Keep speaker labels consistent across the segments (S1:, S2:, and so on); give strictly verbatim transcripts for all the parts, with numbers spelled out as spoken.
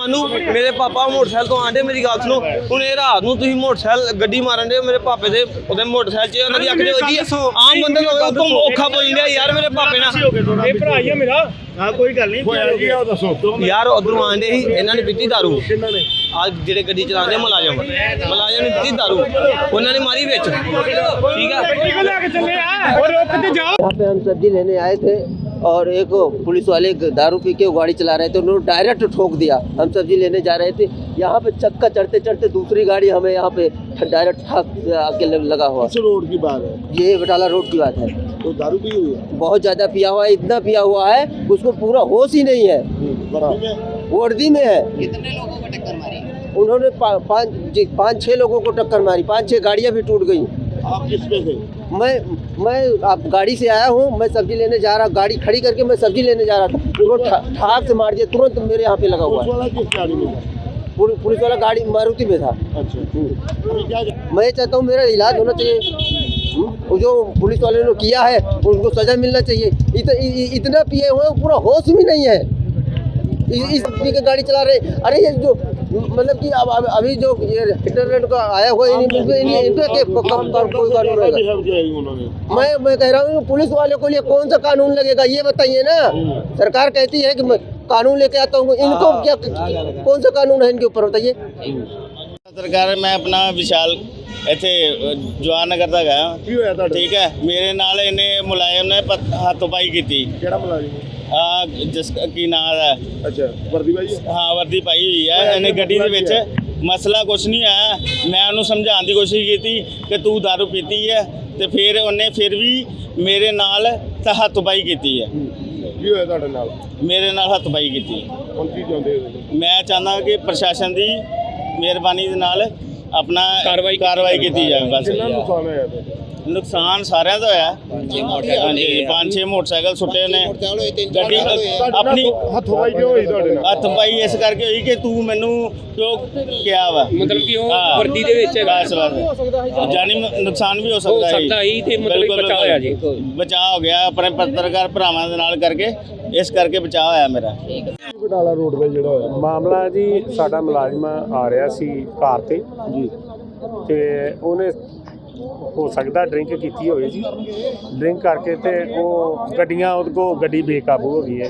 S1: मानू मेरे पापा मोटरसाइकिल तो आंडे मेरी गल सुनो हूँ ये रात को तुम मोटरसाइकिल गड्डी मारन दे मेरे पापे दे उहदे मोटरसाइकिल च उन्हां दी अख दे वजी आम बंदे को औखा बोल दिया यार मेरे पापे ना
S2: ਇਹ ਭਰਾ ਹੀ ਆ ਮੇਰਾ
S3: हाँ कोई गल नहीं होया जी आओ दसो
S1: यार उधरों आंडे ही इन्हां ने पीती दारू
S3: किन्ना ने
S1: आज जेडे गड्डी चलाते मुलाजम मुलाजम ने पीती दारू उन्होंने मारी बिच ठीक है
S2: लेके चले आ और रोक के जाओ।
S4: यहाँ पे हम सब्जी लेने आए थे और एक पुलिस वाले दारू पी के गाड़ी चला रहे थे, उन्होंने डायरेक्ट ठोक दिया। हम सब्जी लेने जा रहे थे, यहाँ पे चक्का चढ़ते चढ़ते दूसरी गाड़ी हमें यहाँ पे डायरेक्ट ठाक आके लगा हुआ।
S3: किस रोड की बात है?
S4: ये बटाला रोड की बात है।
S3: तो दारू पी हुई है?
S4: बहुत ज़्यादा पिया हुआ है, इतना पिया हुआ है उसको पूरा होश ही नहीं है। वर्दी में है।
S5: कितने लोगों को टक्कर मारी?
S4: उन्होंने पाँच पाँच छः लोगों को टक्कर मारी, पाँच छः गाड़ियाँ भी टूट गई।
S3: आप किस पे थे?
S4: मैं मैं आप गाड़ी से आया हूँ, मैं सब्जी लेने जा रहा, गाड़ी खड़ी करके मैं सब्जी लेने जा रहा था, उनको ठाक से मार दिया, तुरंत मेरे यहाँ पे लगा हुआ है।
S3: पुलिस वाला किस गाड़ी में था?
S4: पुलिस वाला गाड़ी मारुति में था।
S3: अच्छा अभी क्या
S4: मैं चाहता हूँ मेरा इलाज होना चाहिए, वो जो पुलिस वाले ने किया है उनको सजा मिलना चाहिए। इत, इ, इतना पिए हुए पूरा होश भी नहीं है, इस पी के गाड़ी चला रहे। अरे ये जो मतलब कि अब अब अभी जो ये इंटरनेट का आया हुआ है कोई कानून रहेगा। मैं मैं कह रहा हूँ पुलिस वाले को लिए कौन सा कानून लगेगा ये बताइए ना। सरकार कहती है कि मैं कानून लेके आता हूँ, इनको क्या कौन सा कानून है इनके ऊपर बताइए।
S6: सरकार मैं अपना विशाल ਇੱਥੇ ਜਵਾਨ ਨਗਰ ਦਾ ਗਿਆ
S3: ਕੀ ਹੋਇਆ ਤੁਹਾਡੇ?
S6: ਠੀਕ ਹੈ ਮੇਰੇ ਨਾਲ ਇਹਨੇ ਮੁਲਾਜ਼ਮ ਨੇ ਹੱਥੋਂ-ਪਾਈ ਕੀਤੀ।
S3: ਕਿਹੜਾ ਮੁਲਾਜ਼ਮ?
S6: ਆ ਜਿਸ ਕੀ ਨਾਮ ਹੈ?
S3: ਅੱਛਾ ਵਰਦੀ ਭਾਈ?
S6: ਹਾਂ ਵਰਦੀ ਪਾਈ ਹੋਈ ਹੈ ਇਹਨੇ ਗੱਡੀ ਦੇ ਵਿੱਚ। ਮਸਲਾ ਕੁਛ ਨਹੀਂ ਆਇਆ, ਮੈਂ ਉਹਨੂੰ ਸਮਝਾਉਣ ਦੀ ਕੋਸ਼ਿਸ਼ ਕੀਤੀ ਕਿ ਤੂੰ ਦਾਰੂ ਪੀਤੀ ਹੈ ਤੇ ਫਿਰ ਉਹਨੇ ਫਿਰ ਵੀ ਮੇਰੇ ਨਾਲ ਹੱਥੋਂ-ਪਾਈ ਕੀਤੀ ਹੈ।
S3: ਕੀ ਹੋਇਆ ਤੁਹਾਡੇ ਨਾਲ?
S6: ਮੇਰੇ ਨਾਲ ਹੱਥੋਂ-ਪਾਈ ਕੀਤੀ।
S3: ਹੁਣ ਕੀ ਚਾਹੁੰਦੇ ਹੋ?
S6: ਮੈਂ ਚਾਹੁੰਦਾ ਕਿ ਪ੍ਰਸ਼ਾਸਨ ਦੀ ਮਿਹਰਬਾਨੀ ਦੇ ਨਾਲ अपना कार्रवाई कार्रवाई की जाए। बस
S3: नुकसान होया?
S6: नुकसान सारे का होया। हाँ जी पाँच छे मोटरसाइकिल सुटे ने गड्डी अपनी
S3: हथपाई क्यों हुई ਤੁਹਾਡੇ ਨਾਲ?
S6: हथपाई इस करके हुई कि तू मैनू क्यों क्या वा
S2: मतलब कि वो वर्दी दे विच है।
S6: बस बस जानी नुकसान भी हो सकता है
S2: ही ते मतलब बचाव होया जी।
S6: बचाव हो गया अपने पत्रकार भरावां दे नाल करके, इस करके बचाव होया मेरा।
S3: ਬਟਾਲਾ ਰੋਡ ਤੇ ਜਿਹੜਾ ਹੋਇਆ
S7: ਮਾਮਲਾ ਜੀ, ਸਾਡਾ ਮੁਲਾਜ਼ਮ ਆ ਰਿਹਾ ਸੀ ਕਾਰ ਤੇ ਜੀ ਤੇ ਉਹਨੇ ਹੋ ਸਕਦਾ ਡਰਿੰਕ ਕੀਤੀ ਹੋਵੇ ਜੀ। ਡਰਿੰਕ ਕਰਕੇ ਤੇ ਉਹ ਗੱਡੀਆਂ ਉਹਦੇ ਕੋਲ ਗੱਡੀ ਬੇਕਾਬੂ ਹੋ ਗਈ ਹੈ।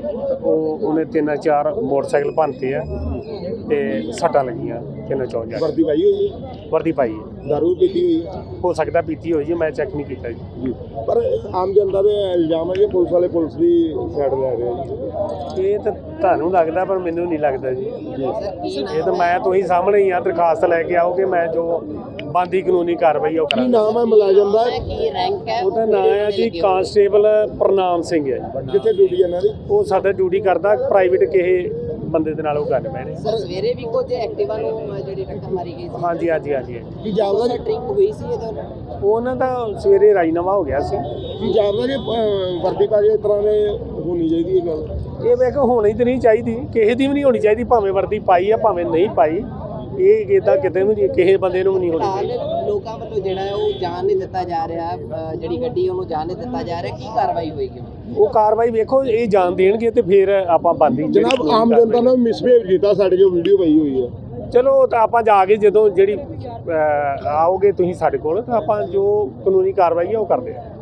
S7: ਉਹ ਉਹਨੇ ਤਿੰਨ ਚਾਰ ਮੋਟਰਸਾਈਕਲ ਭੰਨਤੇ ਆ ਤੇ ਸੱਟਾਂ ਲੱਗੀਆਂ ਤਿੰਨ ਚੌਂ ਜਾ।
S3: ਵਰਦੀ ਪਾਈ ਹੋਈ ਹੈ?
S7: ਵਰਦੀ ਪਾਈ ਹੈ।
S3: ਦਾਰੂ ਪੀਤੀ ਹੋਈ ਹੈ?
S7: ਹੋ ਸਕਦਾ ਪੀਤੀ ਹੋਈ ਜੀ, ਮੈਂ ਚੈੱਕ ਨਹੀਂ ਕੀਤਾ ਜੀ।
S3: ਪਰ ਆਮ ਜਨਤਾ ਦੇ ਇਲਜ਼ਾਮ ਹੈ ਕਿ ਪੁਲਿਸ ਵਾਲੇ ਪੁਲਿਸ ਦੀ ਸਾਈਡ ਲੈ ਰਹੇ ਆ ਜੀ।
S7: ਇਹ ਤਾਂ ਤੁਹਾਨੂੰ ਲੱਗਦਾ ਪਰ ਮੈਨੂੰ ਨਹੀਂ ਲੱਗਦਾ ਜੀ। ਇਹ ਤਾਂ ਮੈਂ ਤੁਸੀਂ ਸਾਹਮਣੇ ਹੀ ਆ, ਦਰਖਾਸਤ ਲੈ ਕੇ ਆਓਗੇ, ਮੈਂ ਜੋ ਬਣਦੀ ਕਾਨੂੰਨੀ ਕਾਰਵਾਈ ਉਹ
S3: ਕੀ
S7: ਕਰਾਂਗਾ।
S3: ਨਾਮ ਹੈ ਮੁਲਾਜ਼ਮ ਦਾ?
S5: ਕੀ ਰੈਂਕ ਹੈ
S7: ਉਹਦਾ ਨਾਮ ਹੈ ਜੀ ਕਾਂਸਟੇਬਲ ਪ੍ਰਨਾਮ ਸਿੰਘ ਹੈ ਜੀ।
S3: ਕਿੱਥੇ ਡਿਊਟੀ ਇਹਨਾਂ ਦੀ?
S7: ਉਹ ਸਾਡਾ ਡਿਊਟੀ ਕਰਦਾ ਪ੍ਰਾਈਵੇਟ ਕਿਸੇ ਬੰਦੇ ਦੇ ਨਾਲ ਉਹ ਗੱਲ ਮੈਂ ਨੇ।
S5: ਸਰ ਸਵੇਰੇ ਵੀ ਕੁਝ ਐਕਟਿਵਾ ਨੂੰ ਜਿਹੜੀ ਟੱਕਰ ਮਾਰੀ ਗਈ ਸੀ।
S7: ਹਾਂਜੀ ਹਾਂਜੀ ਹਾਂਜੀ ਹਾਂਜੀ।
S3: ਕੀ ਜਾਪਦਾ ਜੀ?
S5: ਡਰਿੰਕ ਹੋਈ ਸੀ ਇਹਦੇ ਨਾਲ?
S7: ਉਹਨਾਂ ਦਾ ਸਵੇਰੇ ਰਾਜੀਨਾਮਾ ਹੋ ਗਿਆ ਸੀ।
S3: ਕੀ ਜਾਪਦਾ ਕਿ ਅਹ, ਵਰਦੀ ਪਾ ਕੇ ਇਸ ਤਰ੍ਹਾਂ ਦੇ ਹੋਣੀ ਚਾਹੀਦੀ ਇਹ ਗੱਲ?
S7: ਇਹ ਮੈਂ ਕਿਹਾ ਹੋਣੀ ਤਾਂ ਨਹੀਂ ਚਾਹੀਦੀ, ਕਿਸੇ ਦੀ ਵੀ ਨਹੀਂ ਹੋਣੀ ਚਾਹੀਦੀ, ਭਾਵੇਂ ਵਰਦੀ ਪਾਈ ਆ ਭਾਵੇਂ ਨਹੀਂ ਪਾਈ। ਇਹ ਇੱਦਾਂ ਕਿਤੇ ਵੀ ਨਹੀਂ, ਕਿਸੇ ਬੰਦੇ ਨੂੰ ਵੀ ਨਹੀਂ ਹੋਣੀ ਚਾਹੀਦੀ।
S5: ਫਿਲਹਾਲ ਲੋਕਾਂ ਵੱਲੋਂ ਜਿਹੜਾ ਹੈ ਉਹ ਜਾਣ ਨਹੀਂ ਦਿੱਤਾ ਜਾ ਰਿਹਾ, ਅਹ ਜਿਹੜੀ ਗੱਡੀ ਉਹਨੂੰ ਜਾਣ ਨਹੀਂ ਦਿੱਤਾ ਜਾ ਰਿਹਾ, ਕੀ ਕਾਰਵਾਈ ਹੋਏਗੀ?
S7: ਉਹ ਕਾਰਵਾਈ ਵੇਖੋ, ਇਹ ਜਾਣ ਦੇਣਗੇ ਤੇ ਫਿਰ ਆਪਾਂ ਬੰਦੀ
S3: ਜਨਾਬ ਆਮ ਜਨਤਾ ਨੇ ਮਿਸਬਿਹੇਵ ਕੀਤਾ ਸਾਡੇ ਜੋ ਵੀਡੀਓ ਪਈ ਹੋਈ ਹੈ।
S7: ਚਲੋ ਤਾਂ ਆਪਾਂ ਜਾ ਕੇ ਜਦੋਂ ਜਿਹੜੀ ਆਓਗੇ ਤੁਸੀਂ ਸਾਡੇ ਕੋਲ ਤਾਂ ਆਪਾਂ ਜੋ ਕਾਨੂੰਨੀ ਕਾਰਵਾਈ ਹੈ ਉਹ ਕਰਦੇ ਆ।